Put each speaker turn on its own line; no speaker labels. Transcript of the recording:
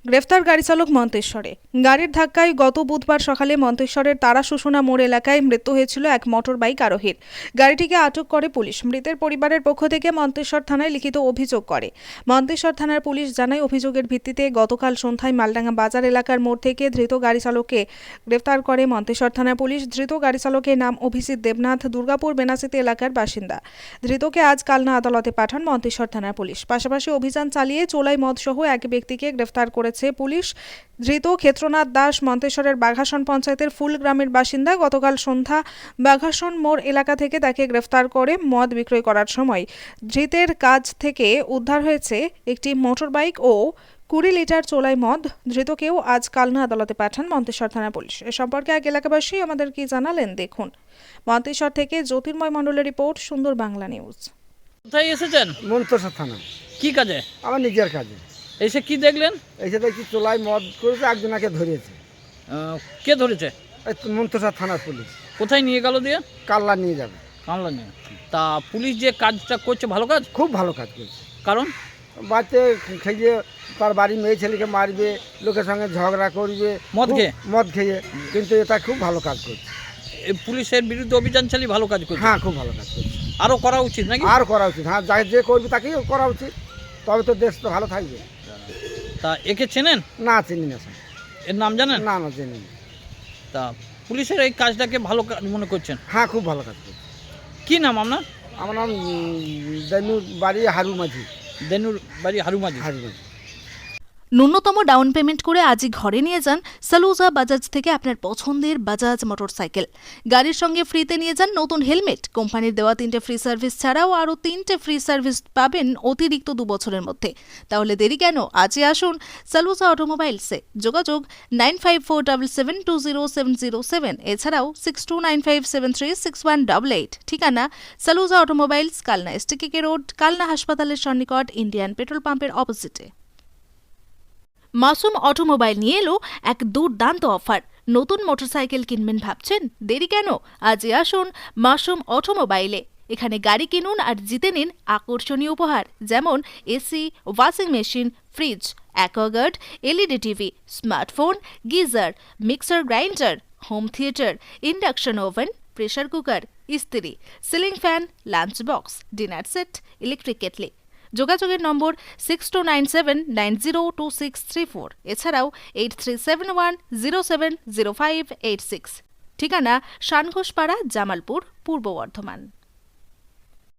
গ্রেফতার গাড়ি চালক মন্তেশ্বরে। গাড়ির ধাক্কায় গত বুধবার সকালে মন্তেশ্বরের তারাশুশুনা মোড় এলাকায় মৃত্যু হয়েছিল এক মোটর বাইক আরোহীর। গাড়িটিকে আটক করে পুলিশ। মৃতের পরিবারের পক্ষ থেকে মন্তেশ্বর থানায় লিখিত অভিযোগ করে। মন্তেশ্বর থানার পুলিশ জানায়, অভিযোগের ভিত্তিতে গতকাল সন্ধ্যায় মালডাঙ্গা বাজার এলাকার মোড় থেকে ধৃত গাড়ি চালককে গ্রেফতার করে মন্তেশ্বর থানা পুলিশ। ধৃত গাড়ি চালকের নাম অভিজিৎ দেবনাথ, দুর্গাপুর বেনাচিতি এলাকার বাসিন্দা। ধৃতকে আজ কালনা আদালতে পাঠান মন্তেশ্বর থানার পুলিশ। পাশাপাশি অভিযান চালিয়ে চোলাই মদ সহ এক ব্যক্তিকে গ্রেফতার করেছে পুলিশ। ধৃত ক্ষেত্রনাথ দাস মন্তেশ্বরের বাঘাসন পঞ্চায়েতের ফুল গ্রামের বাসিন্দা। গতকাল সন্ধ্যা বাঘাসন মোড় এলাকা থেকে তাকে গ্রেফতার করে মদ বিক্রয় করার সময় ধৃতের কাছ থেকে উদ্ধার হয়েছে একটি মোটর বাইক ও 20 লিটার চোলাই মদ। ধৃতকেও আজ কালনা আদালতে পাঠান মন্তেশ্বর থানা পুলিশ। এ সম্পর্কে এক এলাকাবাসী আমাদের কি জানালেন দেখুন। মন্তেশ্বর থেকে জ্যোতির্ময় মণ্ডলের রিপোর্ট, সুন্দর বাংলা নিউজ।
কোথায় এসেছেন?
মন্তেশ্বর থানা।
কি কাজে?
আমার নিজের কাজে।
এসে কি দেখলেন?
এসে দেখছি চোলাই মদ করেছে, একজনকে ধরিয়েছে।
কে ধরেছে?
এই তো মন্তেশ্বর থানার পুলিশ।
কোথায় নিয়ে গেল দিয়ে?
কাল্লা নিয়ে যাবে।
কামলা নিয়ে। তা পুলিশ যে কাজটা করছে ভালো কাজ?
খুব ভালো কাজ করছে।
কারণ
বাড়িতে খেয়ে তার বাড়ি মেয়ে ছেলেকে মারবে, লোকের সঙ্গে ঝগড়া করবে মদ খেয়ে, কিন্তু এটা খুব ভালো কাজ করছে।
পুলিশের বিরুদ্ধে অভিযান চালিয়ে ভালো কাজ করছে।
হ্যাঁ, খুব ভালো কাজ করছে।
আরও করা উচিত নাকি?
আর করা উচিত। হ্যাঁ, যে করবে তাকেই করা উচিত, তবে তো দেশ তো ভালো থাকবে।
তা একে চেনেন?
না, চিনি না স্যার।
এর নাম জানেন?
না, চিনি না।
তা পুলিশের এই কাজটাকে ভালো কাজ মনে করছেন?
হ্যাঁ, খুব ভালো কাজ করছে।
কি নাম আপনার?
আমার নাম দেনুর বাড়ি হারু মাঝি।
দেনুর বাড়ি হারুমাঝি।
ন্যূনতম ডাউন পেমেন্ট করে আজই ঘরে নিয়ে যান সালুজা বাজাজ থেকে আপনার পছন্দের বাজাজ মোটরসাইকেল। গাড়ির সঙ্গে ফ্রিতে নিয়ে যান নতুন হেলমেট। কোম্পানির দেওয়া 3টে ফ্রি সার্ভিস ছাড়াও আরও 3টে ফ্রি সার্ভিস পাবেন অতিরিক্ত 2 বছরের মধ্যে। তাহলে দেরি কেন? আজই আসুন সালুজা অটোমোবাইলসে। যোগাযোগ 9547720707, এছাড়াও 6295736188। ঠিকানা Saluja automobiles, Kalna STKK road, Kalna হাসপাতালের সন্নিকট, ইন্ডিয়ান পেট্রোল পাম্পের অপোজিটে। মাসুম অটোমোবাইল নিয়ে এলো এক দুর্দান্ত অফার। নতুন মোটরসাইকেল কিনবেন ভাবছেন? দেরি কেন? আজই আসুন মাসুম অটোমোবাইলে। এখানে গাড়ি কিনুন আর জিতে নিন আকর্ষণীয় উপহার, যেমন AC, washing machine, fridge, Aquaguard, LED TV, smartphone, geyser, mixer grinder, home theatre, induction oven, pressure cooker, ইস্ত্রি, ceiling fan, lunch box, dinner set, electric kettle. যোগাযোগের নম্বর 6297902634, এছাড়াও 8371070586। ঠিকানা শানঘোষপাড়া, জামালপুর, পূর্ব বর্ধমান।